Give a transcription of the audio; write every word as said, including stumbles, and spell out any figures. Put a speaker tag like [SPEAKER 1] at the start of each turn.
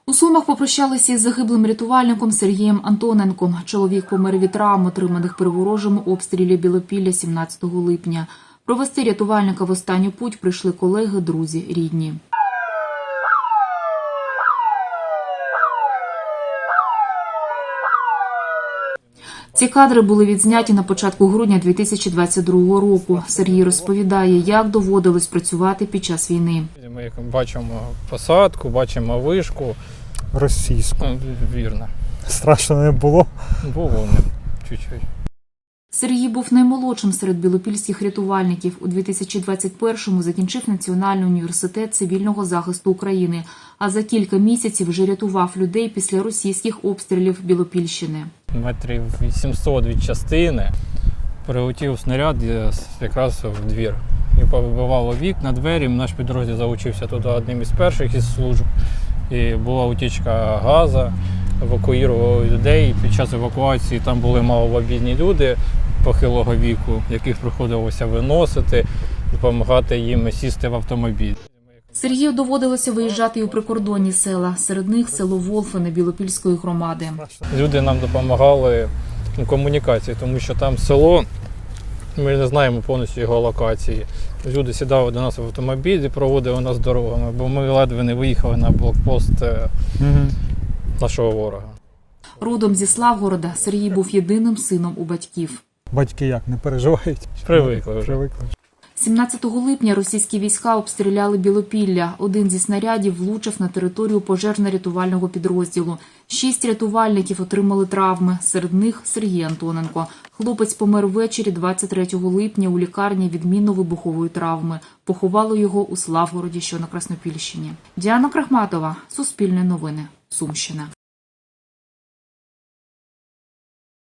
[SPEAKER 1] У Сумах попрощалися із загиблим рятувальником Сергієм Антоненком. Чоловік помер від травм, отриманих при ворожому обстрілі Білопілля сімнадцятого липня. Провести рятувальника в останню путь прийшли колеги, друзі, рідні. Ці кадри були відзняті на початку грудня дві тисячі двадцять другого року. Сергій розповідає, як доводилось працювати під час війни.
[SPEAKER 2] Ми бачимо посадку, бачимо вишку.
[SPEAKER 3] Російську.
[SPEAKER 2] Ну, вірно.
[SPEAKER 3] Страшно не було.
[SPEAKER 2] Було не чуть-чуть.
[SPEAKER 1] Сергій був наймолодшим серед білопільських рятувальників. У дві тисячі двадцять першому закінчив Національний університет цивільного захисту України, а за кілька місяців вже рятував людей після російських обстрілів Білопільщини.
[SPEAKER 2] Метрів вісімсот від частини прилетів снаряд якраз в двір. І повибивало вікна, двері. Наш підрозділ залучився туди одним із перших із служб. І була утічка газу, евакуювали людей. Під час евакуації там були маломобільні люди похилого віку, яких приходилося виносити, допомагати їм сісти в автомобіль.
[SPEAKER 1] Сергію доводилося виїжджати і у прикордонні села. Серед них село Волфине Білопільської громади.
[SPEAKER 2] Люди нам допомагали у комунікації, тому що там село, ми не знаємо повністю його локації. Люди сідали до нас в автомобіль і проводили нас дорогами, бо ми ледве не виїхали на блокпост угу. нашого ворога.
[SPEAKER 1] Родом зі Славгорода, Сергій був єдиним сином у батьків.
[SPEAKER 3] Батьки як, не переживають?
[SPEAKER 2] Привикли вже.
[SPEAKER 3] Привикли.
[SPEAKER 1] сімнадцятого липня російські війська обстріляли Білопілля. Один зі снарядів влучив на територію пожежно-рятувального підрозділу. Шість рятувальників отримали травми, серед них Сергій Антоненко. Хлопець помер ввечері двадцять третього липня у лікарні від мінно-вибухової травми. Поховали його у Славгороді, що на Краснопільщині. Діана Крахматова, Суспільне новини, Сумщина.